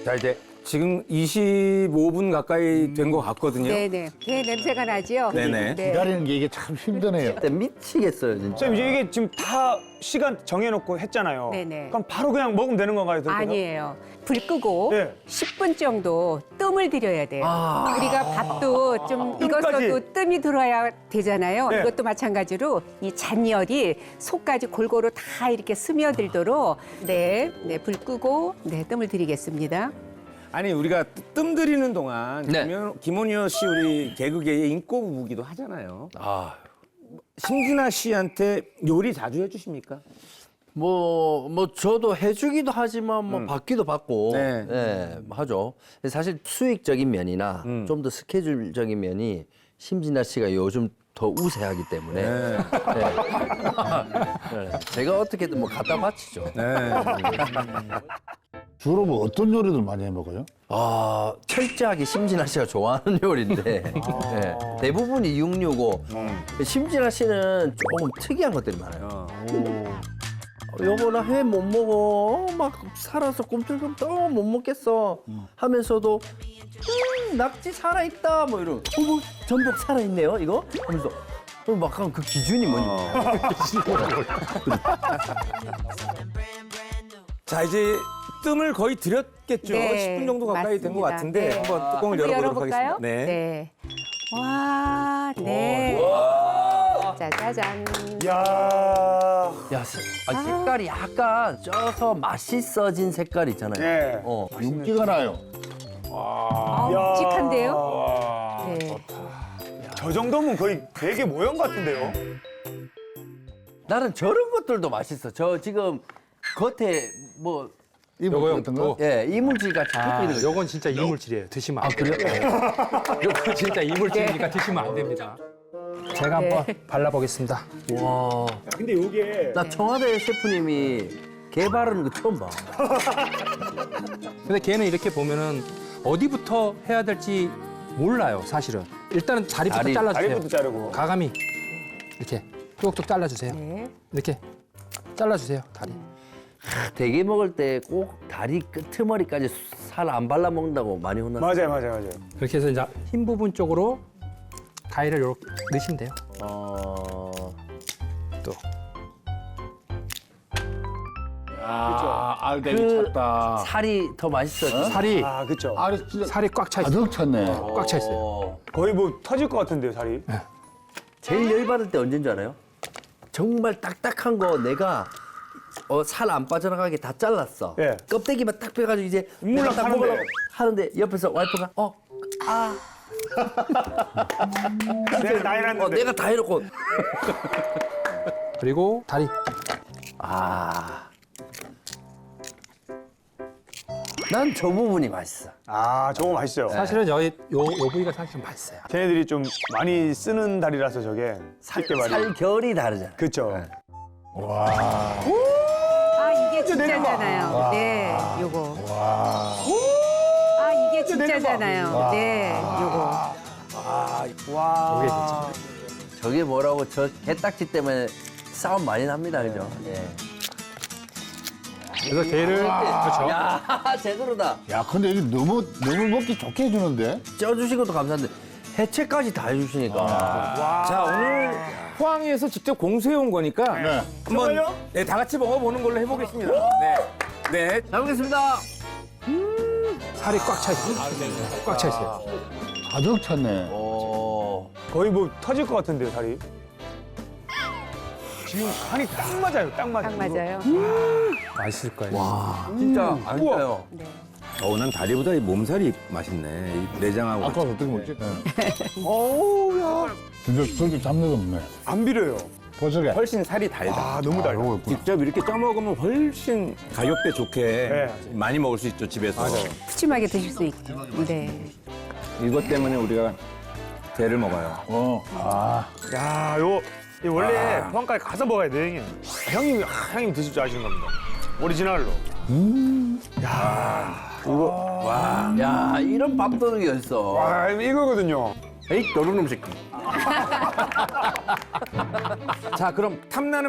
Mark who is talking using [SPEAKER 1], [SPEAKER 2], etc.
[SPEAKER 1] 자, 이제 지금 25분 가까이 된 것 같거든요.
[SPEAKER 2] 네네. 게 냄새가 나지요?
[SPEAKER 1] 네네.
[SPEAKER 2] 네.
[SPEAKER 3] 기다리는 게 이게 참 힘드네요.
[SPEAKER 4] 진짜 미치겠어요, 진짜.
[SPEAKER 5] 선생님 이게 지금 다 시간 정해놓고 했잖아요.
[SPEAKER 2] 네네.
[SPEAKER 5] 그럼 바로 그냥 먹으면 되는 건가요? 그렇게 해서?
[SPEAKER 2] 아니에요. 불 끄고
[SPEAKER 5] 네.
[SPEAKER 2] 10분 정도 뜸을 들여야 돼요. 우리가 밥도 좀
[SPEAKER 5] 뜸까지?
[SPEAKER 2] 익었어도 뜸이 들어야 되잖아요.
[SPEAKER 5] 네.
[SPEAKER 2] 이것도 마찬가지로 이 잔열이 속까지 골고루 다 이렇게 스며들도록 네, 불 끄고 뜸을 들이겠습니다.
[SPEAKER 1] 아니 우리가 뜸 들이는 동안
[SPEAKER 4] 네.
[SPEAKER 1] 김원효 씨 우리 개그계의 인꼬부부기도 하잖아요.
[SPEAKER 4] 아,
[SPEAKER 1] 심진아 씨한테 요리 자주 해주십니까?
[SPEAKER 4] 저도 해주기도 하지만 받기도 받고,
[SPEAKER 1] 네.
[SPEAKER 4] 네, 하죠. 사실 수익적인 면이나 좀 더 스케줄적인 면이 심진아 씨가 요즘 더 우세하기 때문에
[SPEAKER 1] 네.
[SPEAKER 4] 네. 제가 어떻게든 갖다 바치죠.
[SPEAKER 1] 네.
[SPEAKER 3] 주로 뭐 어떤 요리들 많이 해 먹어요?
[SPEAKER 4] 철저하게 심진아 씨가 좋아하는 요리인데 네, 대부분이 665. 심진아 씨는 조금 특이한 것들이 많아요. 여보 나 회 못 먹어. 막 살아서 꿈틀꿈틀 못 먹겠어 하면서도 낙지 살아있다 뭐 이런. 뭐 전복 살아있네요 이거? 하면서 막 그 기준이 뭐냐.
[SPEAKER 1] 자 이제 뜸을 거의 들였겠죠.
[SPEAKER 2] 네,
[SPEAKER 1] 10분 정도 가까이 된 것
[SPEAKER 2] 맞습니다.
[SPEAKER 1] 같은데
[SPEAKER 2] 네.
[SPEAKER 1] 한번 뚜껑을 열어보도록
[SPEAKER 2] 열어볼까요?
[SPEAKER 1] 하겠습니다.
[SPEAKER 2] 네. 와, 네. 짜자잔.
[SPEAKER 5] 야.
[SPEAKER 4] 야, 색깔이 약간 쪄서 맛있어진 색깔 있잖아요.
[SPEAKER 5] 네.
[SPEAKER 3] 윤기가 나요.
[SPEAKER 2] 묵직한데요? 네.
[SPEAKER 5] 저 정도면 거의 되게 모형 같은데요?
[SPEAKER 4] 나는 저런 것들도 맛있어. 저 지금 겉에 뭐
[SPEAKER 3] 이거 같은 거?
[SPEAKER 4] 예, 이물질 같이 붙어 있는 거.
[SPEAKER 6] 요건 진짜 이물질이에요. 드시면 안 돼요.
[SPEAKER 4] 그래요?
[SPEAKER 6] 요건 진짜 이물질이니까 드시면 안 됩니다. 제가 한번 발라보겠습니다.
[SPEAKER 4] 와,
[SPEAKER 5] 근데 이게
[SPEAKER 4] 나 청와대 셰프님이 개 바르는 거 처음 봐.
[SPEAKER 6] 근데 걔는 이렇게 보면은 어디부터 해야 될지 몰라요, 사실은. 일단은 다리부터
[SPEAKER 4] 다리,
[SPEAKER 6] 잘라주세요.
[SPEAKER 5] 다리부터 자르고.
[SPEAKER 6] 가감이 이렇게 뚝뚝 잘라주세요.
[SPEAKER 2] 네.
[SPEAKER 6] 이렇게 잘라주세요, 다리.
[SPEAKER 4] 대게 먹을 때 꼭 다리 끄트머리까지 살 안 발라 먹는다고 많이 혼났어요.
[SPEAKER 5] 맞아요.
[SPEAKER 6] 그렇게 해서 이제 흰 부분 쪽으로 다리를 이렇게 넣으시면 돼요. 또.
[SPEAKER 3] 알대기
[SPEAKER 4] 그
[SPEAKER 3] 찼다.
[SPEAKER 4] 살이 더 맛있어.
[SPEAKER 6] 살이
[SPEAKER 5] 아, 그쵸.
[SPEAKER 3] 알이 진짜
[SPEAKER 6] 살이 꽉 차 있어요.
[SPEAKER 3] 가득 찼네.
[SPEAKER 6] 꽉 차 있어요.
[SPEAKER 5] 거의 뭐 터질 것 같은데요, 살이.
[SPEAKER 4] 제일 열받을 때 언제인 줄 알아요? 정말 딱딱한 거 내가 살 안 빠져나가게 다 잘랐어.
[SPEAKER 5] 예.
[SPEAKER 4] 껍데기만 딱 빼가지고 이제
[SPEAKER 5] 물락
[SPEAKER 4] 내가 딱
[SPEAKER 5] 하는데.
[SPEAKER 4] 먹으려고 하는데 옆에서 와이프가
[SPEAKER 5] 내가 나이 났는데.
[SPEAKER 4] 내가 다 해놓고
[SPEAKER 6] 그리고 다리.
[SPEAKER 4] 난 저 부분이 맛있어.
[SPEAKER 5] 아, 저거 맛있어요.
[SPEAKER 6] 사실은 요 부위가 사실 맛있어요.
[SPEAKER 5] 걔네들이 좀 많이 쓰는 다리라서 저게 쉽게 말이.
[SPEAKER 4] 살결이 다르잖아.
[SPEAKER 5] 그쵸.
[SPEAKER 2] 아, 이게 진짜잖아요. 네, 요거. 아, 이게 진짜잖아요. 네, 요거.
[SPEAKER 5] 와.
[SPEAKER 6] 이게 진짜.
[SPEAKER 4] 저게 뭐라고 저 개딱지 때문에 싸움 많이 납니다, 그죠? 예.
[SPEAKER 6] 그래서 게를 그렇죠.
[SPEAKER 4] 야, 제대로다.
[SPEAKER 3] 야, 근데 이게 너무 먹기 좋게 해주는데?
[SPEAKER 4] 쪄주신 것도 감사한데 해체까지 다 해주시니까.
[SPEAKER 1] 자 오늘 포항에서 직접 공수해 온 거니까
[SPEAKER 3] 네.
[SPEAKER 1] 한번
[SPEAKER 5] 정말요?
[SPEAKER 1] 네, 다 같이 먹어보는 걸로 해보겠습니다. 네. 네.
[SPEAKER 4] 잘 먹겠습니다.
[SPEAKER 6] 살이 꽉 차 있어요. 꽉 차 있어요.
[SPEAKER 3] 가득 찼네.
[SPEAKER 5] 거의 뭐 터질 것 같은데요, 살이. 지금 간이 딱 맞아요, 딱 맞아요.
[SPEAKER 2] 딱 맞아요.
[SPEAKER 6] 맛있을 거예요.
[SPEAKER 4] 진짜 안 짜요.
[SPEAKER 2] 네.
[SPEAKER 1] 난 다리보다 이 몸살이 맛있네. 이 내장하고.
[SPEAKER 3] 아까 어떻게 먹지?
[SPEAKER 5] 어우, 야.
[SPEAKER 3] 진짜 저기 잡내가 없네.
[SPEAKER 5] 안 비려요.
[SPEAKER 3] 버섯에.
[SPEAKER 1] 훨씬 살이 달다.
[SPEAKER 5] 아, 너무 달려.
[SPEAKER 3] 요거 있구나.
[SPEAKER 1] 직접 이렇게 쪄 먹으면 훨씬 가격대 좋게
[SPEAKER 5] 네.
[SPEAKER 1] 많이 먹을 수 있죠 집에서.
[SPEAKER 5] 맞아요.
[SPEAKER 2] 푸짐하게 드실 수 있게. 네.
[SPEAKER 1] 이것 때문에 우리가 게를 먹어요.
[SPEAKER 5] 야, 이 원래 포항까지 가서 먹어야 돼, 형님. 형님 드실 줄 아시는 겁니다. 오리지널로.
[SPEAKER 4] 야, 이런 밥도둑이 어딨어.
[SPEAKER 5] 와, 이거거든요.
[SPEAKER 4] 에이, 너른 음식.
[SPEAKER 1] 자 그럼 탐나는